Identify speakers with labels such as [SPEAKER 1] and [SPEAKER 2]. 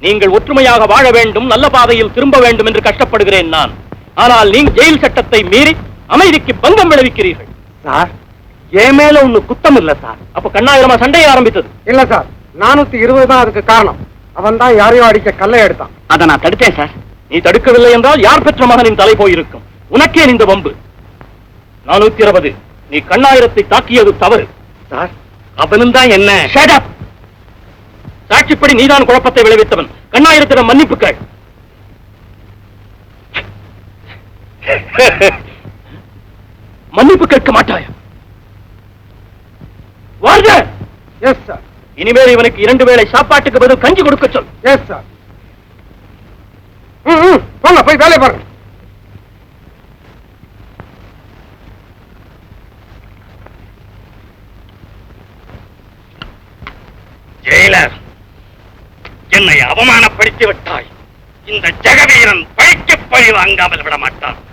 [SPEAKER 1] நீங்கள் ஒற்றுமையாக வாழ வேண்டும், நல்ல பாதையில் திரும்ப வேண்டும் என்று கஷ்டப்படுகிறேன் நான். ஆனால் நீங்கள் ஜெயில் சட்டத்தை மீறி அமைதிக்கு பங்கம் விளைவிக்கிறீர்கள்.
[SPEAKER 2] சார், என் மேல ஒண்ணு குத்தம் இல்ல சார்.
[SPEAKER 1] அப்ப கண்ணாயிரமா சண்டையை ஆரம்பித்தது?
[SPEAKER 2] இல்ல சார், 420 தான் அதுக்கு காரணம். அவன் தான் யாரையோ அடிக்க கல்லை எடுத்தான்.
[SPEAKER 1] அதை நான் தடுத்தேன் சார். நீ தடுக்கவில்லை என்றால் யார் பெற்ற மகனின் தலை போயிருக்கும். உனக்கே இந்த வம்பு. 420, நீ கண்ணாயிரத்தை தாக்கியது தவறு.
[SPEAKER 2] சார், அவனும் தான் என்ன?
[SPEAKER 1] சாட்சிப்படி நீதான் குழப்பத்தை விளைவித்தவன். கண்ணாயிரத்திடம் மன்னிப்பு கேள். மன்னிப்பு கேட்க மாட்டாயா?
[SPEAKER 2] Yes sir.
[SPEAKER 1] இனிமேல் இவனுக்கு 2 வேளை சாப்பாட்டுக்கு பதில் கஞ்சி கொடுக்க சொல்.
[SPEAKER 2] Yes sir. போங்க, போய் வேலை பாருங்க.
[SPEAKER 1] ஜெயிலர், என்னை அவமானப்படுத்தி விட்டாய். இந்த ஜெகவீரன் பழிக்கு பழி வாங்காமல் விட மாட்டான்.